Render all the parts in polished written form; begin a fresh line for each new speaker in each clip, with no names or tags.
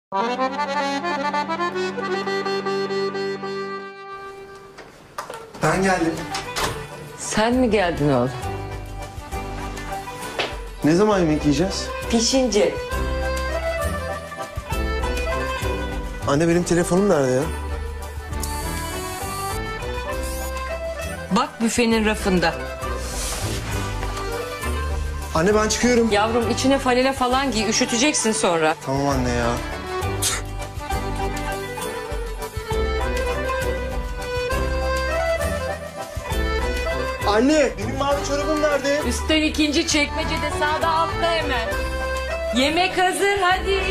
Ben geldim.
Sen mi geldin oğlum?
Ne zaman yemek yiyeceğiz?
Pişince.
Anne benim telefonum nerede ya?
Bak büfenin rafında.
Anne ben çıkıyorum.
Yavrum içine falele falan giy, üşüteceksin sonra.
Tamam anne ya. Anne benim mavi çorabım nerede?
Üstten ikinci çekmecede sağda altta hemen. Yemek hazır hadi.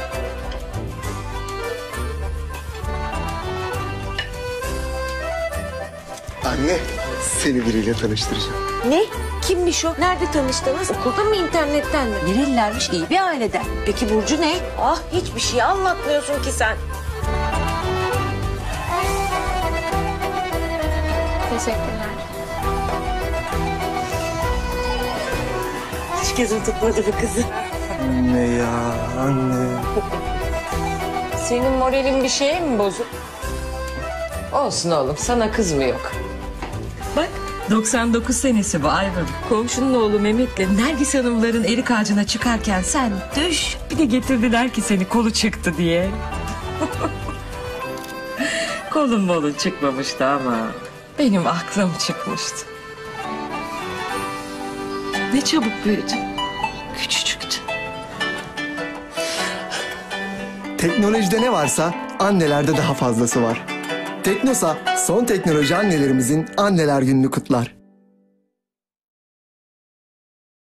Anne seni biriyle tanıştıracağım.
Ne? Kimmiş o? Nerede tanıştınız? Okulda mı, internetten mi? Nerelilermiş? İyi bir aileden. Peki Burcu ne? Ah, hiçbir şey anlatmıyorsun ki sen.
Teşekkürler.
Hiç gözüm tutmadı bu kızı.
Anne ya anne.
Senin moralin bir şeye mi bozuk? Olsun oğlum, sana kız mı yok? Bak 99 senesi bu Ayvın. Komşunun oğlu Mehmet'le Nergis Hanımların erik ağacına çıkarken sen düş. Bir de getirdiler ki seni kolu çıktı diye. Kolun molun çıkmamıştı ama benim aklım çıkmıştı. Ne çabuk büyüdün. Küçücüktü.
Teknolojide ne varsa annelerde daha fazlası var. Teknosa son teknoloji annelerimizin anneler gününü kutlar.